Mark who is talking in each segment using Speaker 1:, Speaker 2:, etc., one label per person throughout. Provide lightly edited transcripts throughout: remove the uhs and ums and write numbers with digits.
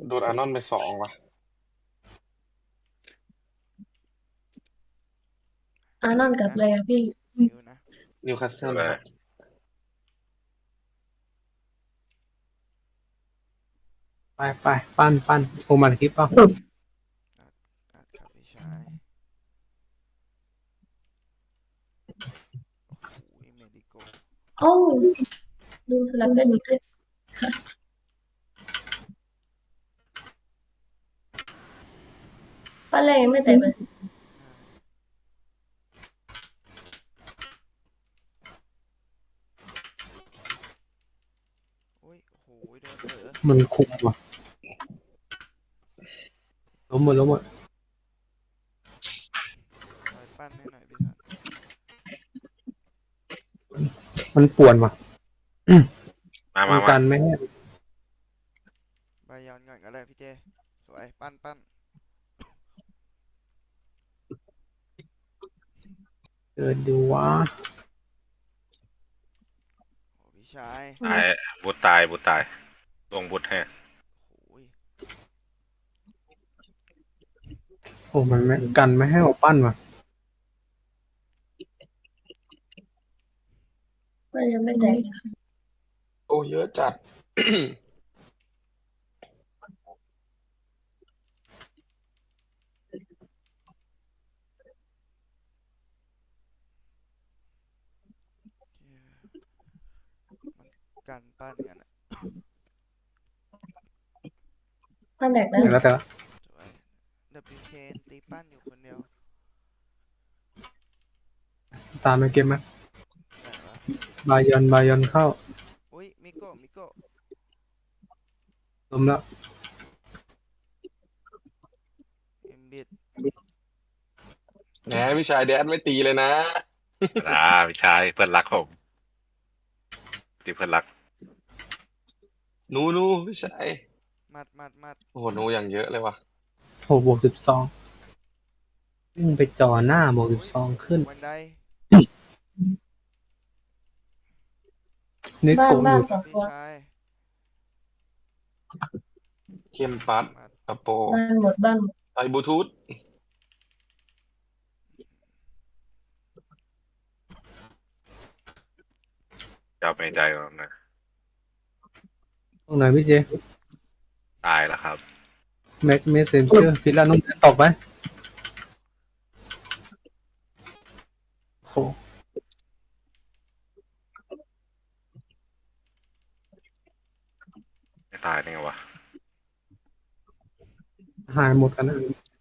Speaker 1: โดนอาร์นอนไปสองว่ะ
Speaker 2: อานอนกับ
Speaker 3: ฮิวนะ
Speaker 2: อะไรอะพี่
Speaker 3: ฮิวนะ
Speaker 1: นิวคาสเซิล
Speaker 4: ดูเลย
Speaker 1: ครับ
Speaker 5: ไปไปปั้นโอมันคลิปเปล่า
Speaker 3: อัดครับพี่ชายโอ้โหเมดิโก
Speaker 2: โอ้ลืมสลับกันอีกด้วยป้าแรกยังไม่แตกเลย
Speaker 3: โอ้ยโอ้โหโดน
Speaker 5: มันคุมว่ะล้มหมด
Speaker 3: คอยปั้นให้หน่อยพี่สัน
Speaker 5: มันป่วนว่ะ
Speaker 4: มา
Speaker 5: มันกันไม่ให้
Speaker 3: บายอนก่อนก็ได้พี่เจสวยปั้น
Speaker 5: เกิดดูวะ
Speaker 3: โอ้พี่ชาย
Speaker 4: ตายบูตายลงบูทให้
Speaker 3: โอ้ย
Speaker 5: โอ้มันไม่กันไม่ให้เอาปั้นว่ะ
Speaker 2: ป้ายังไม่แตกเลยค่ะ
Speaker 1: โอ้เยอะจัด
Speaker 3: มันกันปั้นกันอะ
Speaker 2: ป้าแตกแล้ว
Speaker 5: แต่ละ
Speaker 3: สวยดับเบิลเคนตีปั้นอยู่คนเดียว
Speaker 5: ตามไปเกมไหม
Speaker 3: แตกแล้ว
Speaker 5: บายอนเข้า
Speaker 3: อุ้ยมิโก้
Speaker 5: ล้มแล้ว
Speaker 3: เอ็มบิด
Speaker 1: แหมพี่ชายแดนไม่ตีเลยนะ
Speaker 4: พี่ชายเพื่อนรักผมตีเพื่อนรัก
Speaker 1: นูพี่ชาย
Speaker 3: มัด
Speaker 1: โอ้โหนูอย่างเยอะเลยว่ะ
Speaker 5: โหบวก 12วิ่งไปจ่อหน้าบวกสิ
Speaker 3: โอ้ย
Speaker 5: บสองขึ้น
Speaker 3: วันได
Speaker 5: เน
Speaker 2: บ้านบ้าน
Speaker 5: โกะอยู่
Speaker 2: สองตัว
Speaker 3: พี่ชาย
Speaker 1: เข้มปัด
Speaker 3: มัด
Speaker 1: อโป
Speaker 2: บ้านหมด
Speaker 1: ไอบลูทูธ
Speaker 4: จะเอาไปใจผมนะ
Speaker 5: ตรงไหนพี่เจ
Speaker 4: ตายแล้วครับ
Speaker 5: แม็กเมสเซนเจอร์พิลานุ่มตอบไปโห
Speaker 4: ไม่ตายได้ไงวะ
Speaker 5: หายหมดกันนะ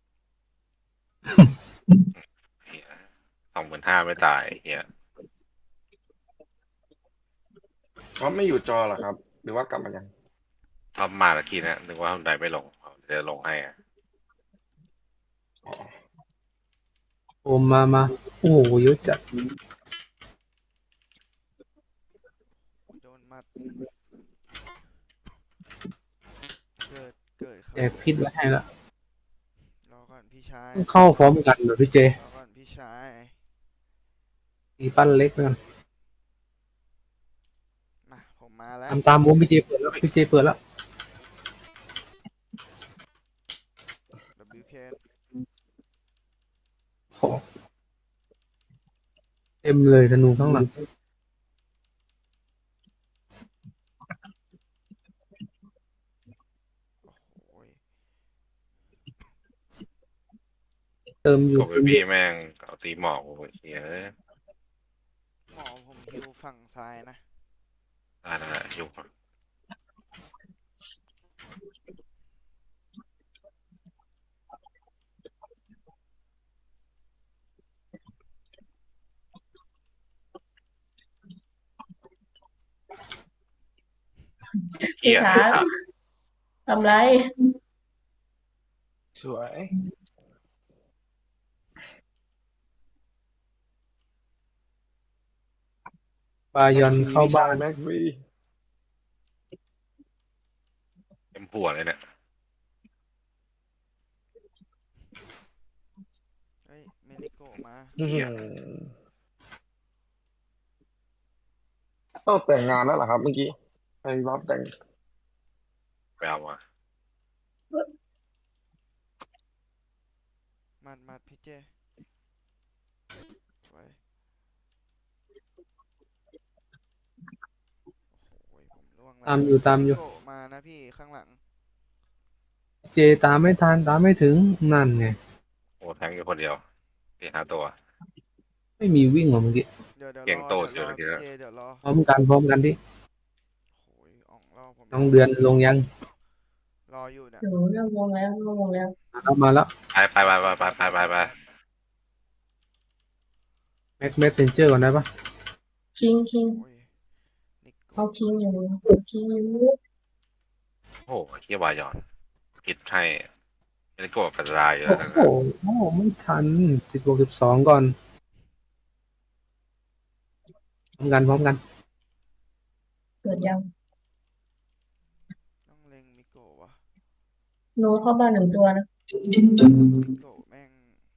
Speaker 4: เฮีย25,000ไม่ตายเฮีย
Speaker 1: เขาไม่อยู่จอเหรอครับหรือว่ากลับมายัง
Speaker 4: ทำมาตะกี้นะนึกว่าทำได้ไม่ลงเดี๋ยวลงให้อะ
Speaker 5: โอมมาโอ้โหเยอะจัด
Speaker 3: โดนมัดเกิด
Speaker 5: แจ
Speaker 3: เข้า
Speaker 5: กพิษไว้ให้ละ
Speaker 3: รอก่อนพี่ชาย
Speaker 5: ต้องเข้าพร้อมกันเหรอพี่เจ
Speaker 3: รอก่อนพี่ชาย
Speaker 5: ตีปั้นเล็กไปก่อน
Speaker 3: มาผมมาแล้ว
Speaker 5: ตามวงพี่เจเปิดแล้วพี่เจเปิดแล้ว
Speaker 3: ดับเบิลเคน
Speaker 5: โหเต็มเลยธนูข้างหลัง
Speaker 3: โอ้ย
Speaker 5: เติมอยู่
Speaker 4: กบไปพี่แม่งเอาตีหมอกโอ้ยเฮีย
Speaker 3: หมอผมฮิวฝั่งซ้ายนะ
Speaker 4: ได้ยุกเฮี
Speaker 2: พี่
Speaker 4: ย
Speaker 2: ช้างทำไร
Speaker 1: สวย
Speaker 5: บายอน
Speaker 1: แม็กฟรีพี่ชา
Speaker 5: เข้าบ้าน
Speaker 1: ยแม็กฟรี
Speaker 4: เต็มหัวเลยเนี่ย
Speaker 3: เฮ้ยเมดิโกมา
Speaker 1: อื้อ
Speaker 4: เฮีย
Speaker 1: หือต้องแต่งงานแล้วเหรอครับเมื่อกี้ไปรับแต่ง
Speaker 4: ไปเอามา
Speaker 3: มัดพี่เจสวยโอ้ยผมล่วงแล้ว
Speaker 5: ตามอยู่
Speaker 3: โกะมานะพี่ข้างหลัง
Speaker 5: เจตามไม่ทันตามไม่ถึงนั่นไง
Speaker 4: โอ้แทงอยู่คนเดียว4-5 ตัว
Speaker 5: ไม่มีวิ่งหรอเมื่อกี้
Speaker 3: เดี๋ยว
Speaker 4: เก่งโต
Speaker 3: เดี๋ยวรอ
Speaker 4: เจอ
Speaker 3: พี่
Speaker 4: แล้ว
Speaker 3: เจเดี๋ยวรอ
Speaker 5: พร้อมกันดิ
Speaker 3: โอ้ยอ่องรอผม
Speaker 5: น้องเดือนลงยัง
Speaker 3: รออยู่เนี่ย
Speaker 2: หนูเริ่มวงแล้วเริ่มวงแล้ว
Speaker 5: มาแล้ว
Speaker 4: ไป
Speaker 5: แม็กเมสเซนเจอร์ก่อนได้ปะ
Speaker 2: คิง
Speaker 3: โอ้ยนิก
Speaker 2: เอา
Speaker 3: โกะ
Speaker 2: คิงอยู่คิงอยู่
Speaker 4: โอ้โหเฮียวายอนผิดให้ไม่ได้โกรธกระจายเยอะ
Speaker 5: โอ้
Speaker 4: นะ
Speaker 5: โหไม่ทัน16-12ก่อนพร้อมกัน
Speaker 2: เกิดยัง
Speaker 3: ต้องเล็งมิโกะวะ
Speaker 2: หนูเข้าบ้าน1 ตัวนะ
Speaker 3: มิโกะแม่ง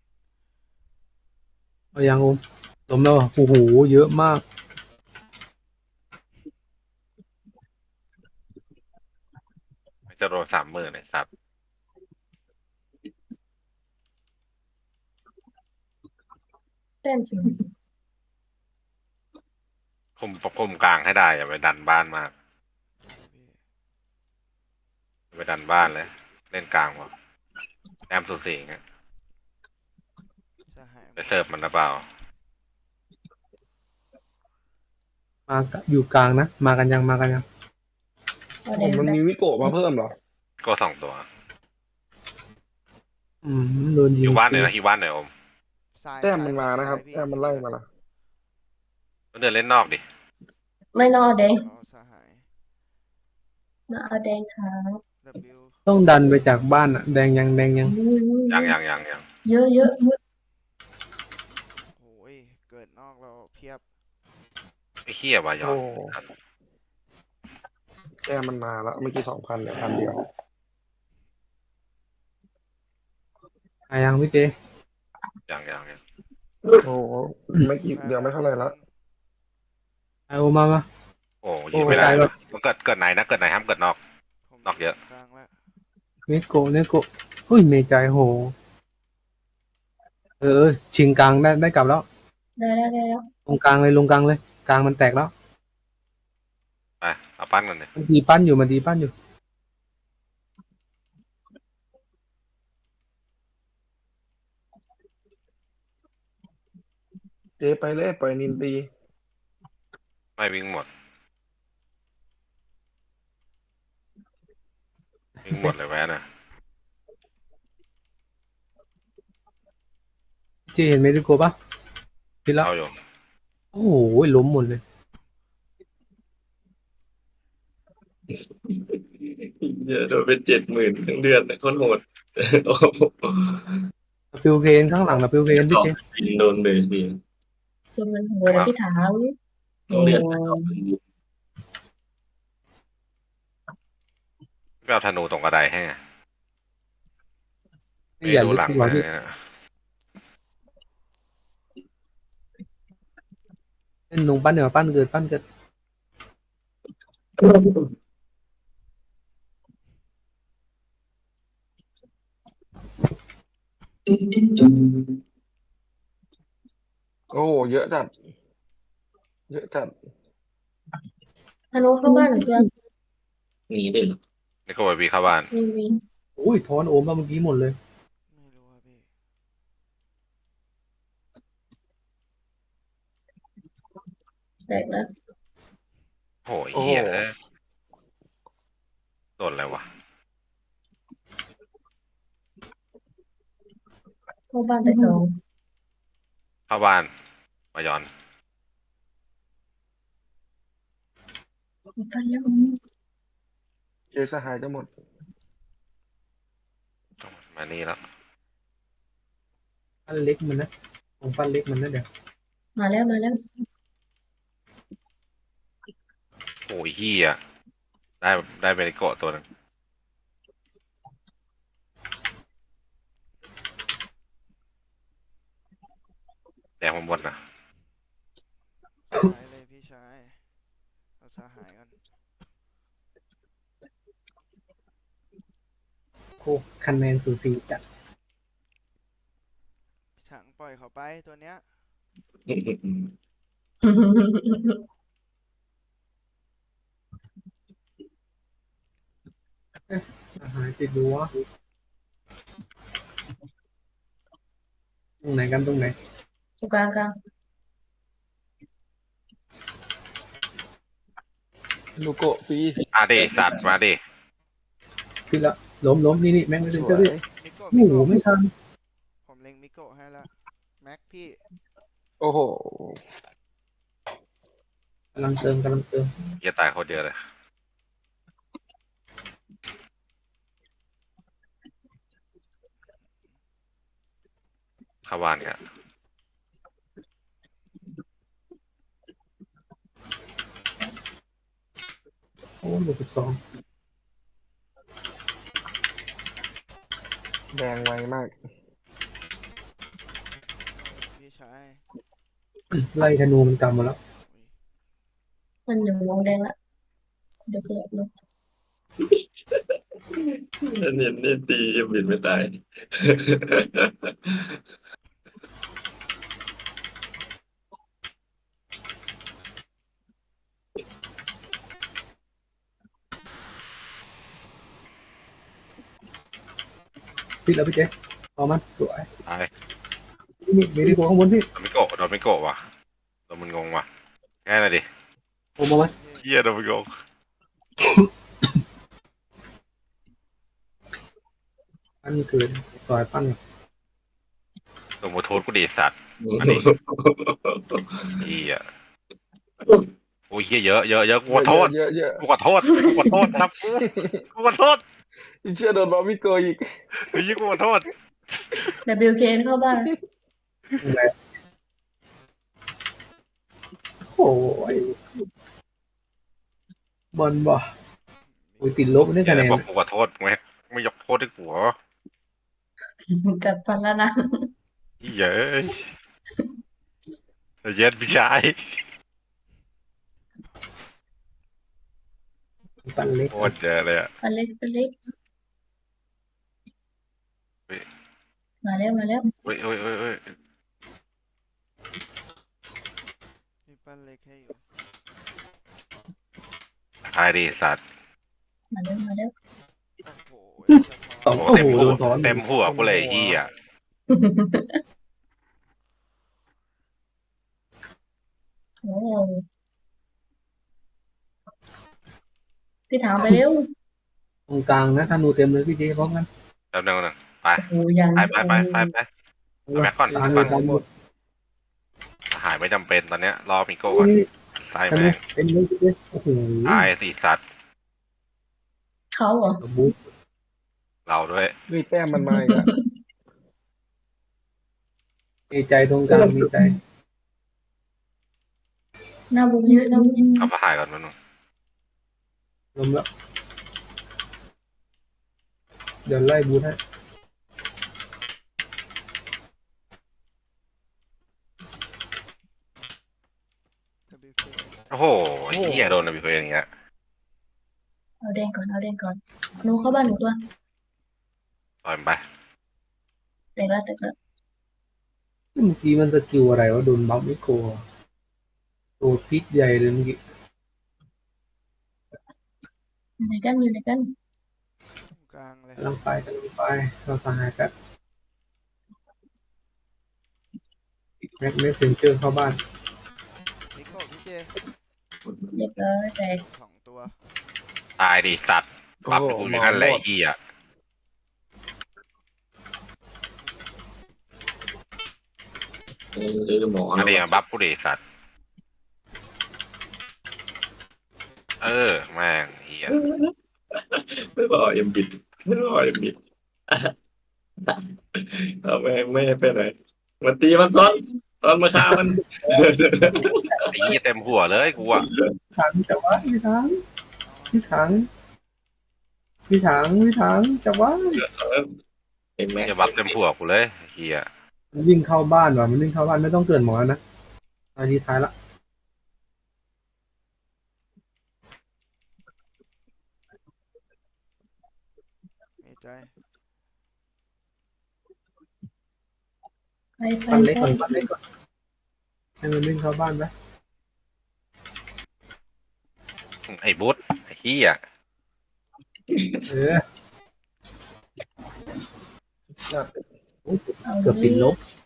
Speaker 5: เอายังโอมล้มแล้วเหรอโอ้โหเยอะมาก
Speaker 4: ไม่จะโดน30,000ในสัตว์
Speaker 2: แต้มสูง
Speaker 4: คุมกลางให้ได้อย่าไปดันบ้านมาก
Speaker 3: พี่
Speaker 4: อย่าไปดันบ้านเลย เล่นกลางวะแอมสุดสีเงี้ย
Speaker 3: จะหาย
Speaker 4: ไปเสิร์ฟมันหรือเปล่า
Speaker 5: อยู่กลางนะมากันยัง
Speaker 2: เอา
Speaker 1: ผ
Speaker 2: แด
Speaker 1: ม
Speaker 2: ง
Speaker 1: มัน
Speaker 2: ไป
Speaker 1: มีวิโกะมาเพิ่มเหรอ
Speaker 4: ก็2 ตัว
Speaker 5: โดนยิ
Speaker 4: อง ยู่บ้านหน่อยนะฮิวบ้านหน่อยอม
Speaker 3: ซ้าย
Speaker 1: แต้มมันมานะครับ
Speaker 3: ซ้ยพี่
Speaker 1: แต้มมันไล่มาละ
Speaker 4: ก็เดินเล่นนอกดิ
Speaker 2: ไม่นอกแดง
Speaker 3: รอสหาย
Speaker 2: นะเอาแดงครับ
Speaker 3: W
Speaker 5: ต้องดันไปจากบ้านอะแดงยัง
Speaker 4: ยัง
Speaker 2: เยอะเยอะ
Speaker 3: โอ้ยเกิดนอกเราเพียบ
Speaker 4: ไอ้เฮียวายอ
Speaker 1: โอ้
Speaker 4: น
Speaker 1: แต้มมันมาละเมื่อกี้2,000เหลือ1,000เดียว
Speaker 5: อายังพี่เจ
Speaker 4: ยัง
Speaker 1: โอ้โหไม่กี่เดียวไม่เท่าไหร่ละ
Speaker 5: ไอโอมา
Speaker 4: โอ้ยิงไม่ได้
Speaker 5: โอ้ยตายแล้ว
Speaker 4: มันเกิดไหนนะเกิดไหนห้ามเกิดนอก
Speaker 3: ผม
Speaker 4: นอกเยอะ
Speaker 3: กลางแล้ว
Speaker 5: เนโกะเฮ้ยเมใจโหชิงกลางได้กลับแล้ว
Speaker 2: ได้แล้ว
Speaker 5: ลงกลางเลยกลางมันแตกแล้ว
Speaker 4: ไปเอาปั้นกันเลย
Speaker 5: มันดีปั้นอยู่
Speaker 1: เจ๊ไปเลยปล่อยนินตี
Speaker 4: ไม่วิ่งหมดเลยแวะนะ
Speaker 5: เจเห็นเมดิโกปะพิดแล้ว
Speaker 4: เอาอยู่
Speaker 5: โอ้โหล้มหมดเลย
Speaker 6: เยอะโดนเป็น70,000ทั้งเดือนนะโคตรโหดโอ้โห
Speaker 5: ฟิวเคนข้างหลังนะฟิวเคนพี่
Speaker 6: สอง
Speaker 5: เจ
Speaker 6: ปีโดนเลยพี่
Speaker 2: จนมันหัวเลยพี่ถาง
Speaker 6: ต้องเรียน
Speaker 4: ไม่เอาธนูตรงกระไดให้ไง
Speaker 5: นี่อย่า
Speaker 4: ดู
Speaker 5: ลึก
Speaker 4: หลัง
Speaker 5: ดีกว่า
Speaker 4: เล
Speaker 5: พี่
Speaker 4: ยนะ
Speaker 5: เล่นลงปั้นเดี๋ยวปั้นเกิด
Speaker 1: โอ้โหเยอะจัด เยอะจัด
Speaker 2: ธนูเข้าบ้าน1 ตัว
Speaker 6: มีด้วยเหรอ
Speaker 4: นี่ก็ไปวีเข้าบ้าน
Speaker 2: มี
Speaker 5: อุ้ยทอนโอมมาเมื่อกี้หมดเลย
Speaker 3: ไม่รู้อะพี่
Speaker 2: แตกแล้ว
Speaker 4: โหเฮียโดนอะไรวะ
Speaker 2: เข้าบ้านไป2
Speaker 4: เข้าบ้านมายอน
Speaker 2: อีกบ้านแล้ว
Speaker 1: เจ๊สหายจะหมด
Speaker 4: มานี่แล้ว
Speaker 5: ปั้นเล็กมันนะผมปั้นเล็กมันนะเดี๋ยว
Speaker 2: มาแล้ว
Speaker 4: โอ้ยเฮียได้เบริโกะตัวหนึงแดงมันหมดนะ
Speaker 3: ซ้ายเลยพี่ชายเอาสหายก่อน
Speaker 5: โคคะแนนสูสีจัด
Speaker 3: เขาไปตัวเนี้ย
Speaker 5: อาหารติดรั้วตรงไหนกันตรงไหน
Speaker 2: ตรงกลางกลาง
Speaker 1: ลูโกะฟรี
Speaker 4: มาดิสัตว์มาดิ
Speaker 5: ขึ้นละล้มนี่แม่งไม่
Speaker 1: ส
Speaker 5: ถึง
Speaker 1: ว
Speaker 5: เจ้าดิ
Speaker 1: ย
Speaker 3: มิโกะ
Speaker 5: โอ้โหไม่ทัน
Speaker 3: ผมเล็งมิโกะให้ละแม็กพี่
Speaker 1: โอ้โห
Speaker 5: กำลังเติม
Speaker 4: เหี้ยตายโคตรเยอะเลยเข้าบ้านกัน
Speaker 5: โอ้บวก12
Speaker 1: แดงไวมาก
Speaker 3: พี่ชาย
Speaker 5: ไล่ธนูมันกำมาแล้ว
Speaker 2: มันอยู่วงแดงละเดี๋ยวเกิดลง
Speaker 6: เนี่ยตียังบินไม่ตาย
Speaker 5: พี่แล้วพี่เจ๊เอามันสวย
Speaker 4: ตาย
Speaker 5: นี่มีดีกว่าข้างบนพี่
Speaker 4: โดนไม่โกะว่ะโดนมันงงว่ะง่ายหน่อยดิ
Speaker 5: โอ้มาไหม
Speaker 4: เหี้ยโดนมันงง
Speaker 5: อันเกินซอยปั้น
Speaker 4: โดนโมโทษกูดิสัตว์อันนี้เหี้ยโอ้ยเหี้ยเยอะกูขอโทษ
Speaker 1: เยอะเยอะ
Speaker 4: กูขอโทษครับกูขอโทษ
Speaker 1: อีเชื่อโดนบอมบี้โกอีก
Speaker 4: เฮ้ยกูขอโทษ
Speaker 2: WK เข้าบ้าน
Speaker 5: อะไรโอ้ยบอลบ่อุ้ยติดลบได้
Speaker 4: เดี๋ย
Speaker 5: คะ
Speaker 4: ว
Speaker 5: แนน
Speaker 4: บอกกูขอโทษไม่ยกโทษให้กูเหรอ
Speaker 2: กัดฟันแล้วนะ
Speaker 4: เหี้ยเอ้ยเย็นพี่ชาย
Speaker 5: ปั้นเล็ก
Speaker 4: โคตรเยอะเลยอะ
Speaker 2: ตัวเล็กตัวเล็ก
Speaker 4: เฮ้ย
Speaker 2: มาแล้ว
Speaker 4: เฮ้ย
Speaker 3: พี่ปั้นเล็กให้อยู่
Speaker 4: ตายดิสัตว์
Speaker 2: มาแล้ว
Speaker 3: โอ้โห
Speaker 5: สอง
Speaker 4: โอ้
Speaker 5: โอ้
Speaker 4: เต็ม
Speaker 5: โห
Speaker 4: หั
Speaker 5: โด
Speaker 4: วน
Speaker 5: ซ้อน
Speaker 4: เต็มหัวกูเลยเฮีย
Speaker 2: โอ้พี่ถามไปเร็ว
Speaker 5: ตรงกลางนะธนูเต็มเลยพี่เจ๊พร้อมกัน
Speaker 4: แป๊บนึงไป
Speaker 2: โอ้โหยัง
Speaker 4: ไปแม็กก่อน
Speaker 5: ตามเลยตามหมด
Speaker 4: หายไม่จำเป็นตอนเนี้ยรอมิโก้ก่อน
Speaker 5: นี่
Speaker 4: ใส่
Speaker 5: ธนู
Speaker 4: แม่ง
Speaker 5: เต็มเลยพี่เจ๊โอ้โห
Speaker 4: ตายสิสัตว์
Speaker 2: เขาเหรอ
Speaker 5: บุ๊ก
Speaker 4: เราด้วย
Speaker 1: นี่แต้มมันมาอีกแล้ว
Speaker 5: มีใจตรงกลางมีใจ
Speaker 2: หน้าบุกเยอะหน้าบุก
Speaker 4: เอาไปหายก่อนมันง
Speaker 5: ลมแล้วเดี๋ยวไล่บูทให้
Speaker 3: WK
Speaker 4: โอ้โหเฮียโดนนะพี่เพื่อนอย่างเงี้ย
Speaker 2: เอาแดงก่อนหนูเข้าบ้านหนึ่งตัว
Speaker 4: ปล่อยมันไป
Speaker 2: แต่ละ
Speaker 5: เมื่อกี้มันสกิลอะไรวะโดนบัฟไม่โกะโดนพิษใหญ่เลยเมื่อกี้
Speaker 2: อยู่ไหนกัน
Speaker 3: ตรงกลางเลย
Speaker 5: กำลังไปเราสหายแป๊บแม็กเมสเซนเจอร์เข้าบ้าน
Speaker 3: มิโกะพี่เจ
Speaker 2: เรียบร้อยแตก
Speaker 3: 2 ตัว
Speaker 4: ตายดิสัตว์บัฟกูอยู่นั่นแหละเฮีย
Speaker 6: หมอ
Speaker 4: อันนี้มาบัฟกูดิสัตว์แม่งเฮีย
Speaker 6: ไม่บอกเอ็มบิดเอาไม่ให้ไปไหนมาตีมันซ้อนตอนมาฆ่ามัน
Speaker 4: ไอ้เฮียเต็มหัวเลยกูอะ
Speaker 5: ถังจับว่าพี่ถังจับว่า
Speaker 6: เอ็มแม็ก
Speaker 4: อย่าบัฟเต็มหัวกูเลยเฮีย
Speaker 5: มันวิ่งเข้าบ้านว่ะมันวิ่งเข้าบ้านไม่ต้องเกิดหมอนะนาทีท้ายละ
Speaker 3: มีใจ
Speaker 2: ไป
Speaker 5: ปั้นเล็กก่อนปั้นเล็กก่อนให้มันวิ่งเข้าบ้านไป
Speaker 4: ไอ้บุ๊ดไอ้เฮีย
Speaker 5: เออ
Speaker 1: จัด
Speaker 5: เกือบติดลบ